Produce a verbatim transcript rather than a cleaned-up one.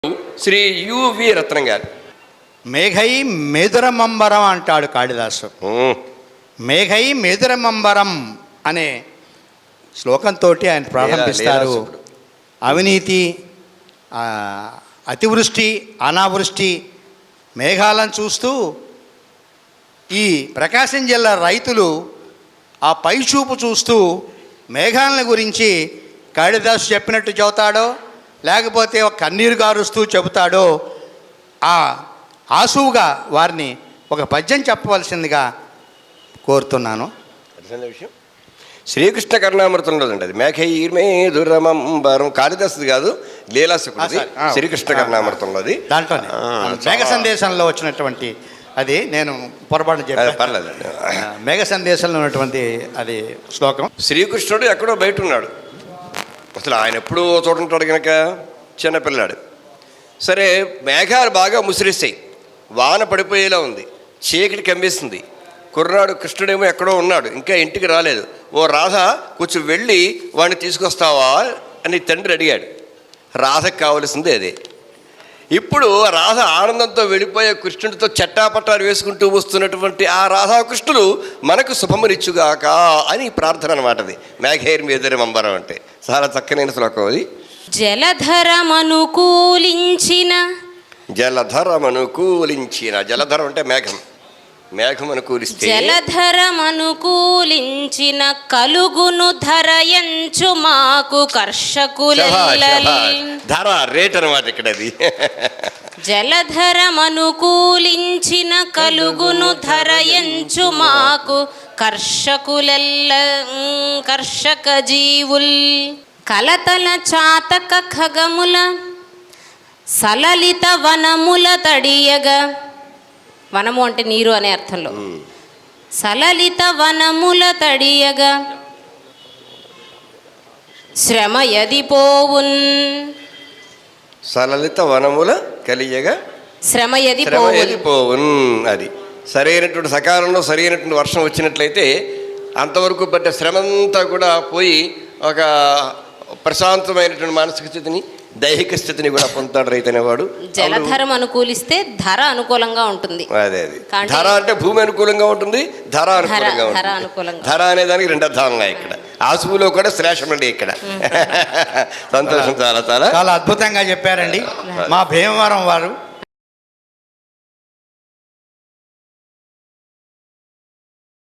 Shri UV రత్నం గారు. మేఘై మేదురమంబరం అంటాడు కాళిదాసు. మేఘై మేదురమంబరం అనే శ్లోకంతో ఆయన ప్రారంభిస్తారు. అవినీతి, అతివృష్టి, అనావృష్టి మేఘాలను చూస్తూ ఈ ప్రకాశం జిల్లా రైతులు ఆ పైచూపు చూస్తూ మేఘాలను గురించి కాళిదాసు చెప్పినట్టు చెబుతాడో లేకపోతే ఒక కన్నీరు గారుస్తూ చెబుతాడో ఆ ఆసువుగా వారిని ఒక పద్యం చెప్పవలసిందిగా కోరుతున్నాను. విషయం శ్రీకృష్ణ కరుణామృతంలో అండి. అది మేఘైర్మేదురమంబరం కాళిదాసుది కాదు, లీలాసుకుడిది. శ్రీకృష్ణ కరుణామృతంలోది. దాంట్లోనే మేఘ సందేశంలో వచ్చినటువంటి అది నేను పొరపాటు చెప్పాను, పర్లేదు. మేఘ సందేశంలో ఉన్నటువంటి అది శ్లోకం. శ్రీకృష్ణుడు ఎక్కడో బయట ఉన్నాడు, అసలు ఆయన ఎప్పుడూ చూడంటాడు కనుక చిన్నపిల్లాడు. సరే, మేఘాలు బాగా ముసిరిస్తాయి, వాన పడిపోయేలా ఉంది, చీకటి కమ్మేస్తుంది. కుర్రాడు కృష్ణుడేమో ఎక్కడో ఉన్నాడు, ఇంకా ఇంటికి రాలేదు. ఓ రాధ కొంచెం వెళ్ళి వాడిని తీసుకొస్తావా అని తండ్రి అడిగాడు. రాధకు కావలసిందే అదే. ఇప్పుడు రాధ ఆనందంతో వెళ్ళిపోయే కృష్ణుడితో చట్టాపట్టాలు వేసుకుంటూ వస్తున్నటువంటి ఆ రాధాకృష్ణులు మనకు శుభమునిచ్చుగాక అని ప్రార్థన అనమాట. అది మేఘైర్ మేదురమంబరం అంటే చాలా చక్కనైన శ్లోకం అది. జలధరమనుకూలించిన జలధరమనుకూలించిన జలధరం అంటే మేఘం. మేఘం అనుకూలిస్తే జలధరమనుకూలించిన కలుగును ధరయంచు మాకు కర్షకులెల్లలి. ధర రేట్ అనమాట ఇక్కడ అది. జలధరమనుకూలించిన కలుగును ధరయంచు మాకు కర్షకులెల్ల కర్షక జీవుల్ కలతల చాతక ఖగముల సలలిత వనముల తడియగా. వనము అంటే నీరు అనే అర్థంలో. సలలిత వనముల తడియగా శ్రమ యది పోవున్. సలలిత వనముల కలియగా శ్రమ యది పోవున్. అది సరైనటువంటి సకాలంలో సరైనటువంటి వర్షం వచ్చినట్లయితే అంతవరకు పడ్డ శ్రమంతా కూడా పోయి ఒక ప్రశాంతమైనటువంటి మానసిక స్థితిని, దైహిక స్థితిని కూడా పొందుతాడు రైతు అనేవాడు. జలధరం అనుకూలిస్తే ధర అనుకూలంగా ఉంటుంది. అదే అది ధర అంటే భూమి అనుకూలంగా ఉంటుంది, ధర అనుకూలంగా ఉంటుంది. ధర అనే దానికి రెండు అర్థాలు ఉన్నాయి ఇక్కడ. ఆసువులో కూడా శ్లేషం అండి ఇక్కడ. సంతోషం. చాలా చాలా చాలా అద్భుతంగా చెప్పారండి మా భీమవరం వారు.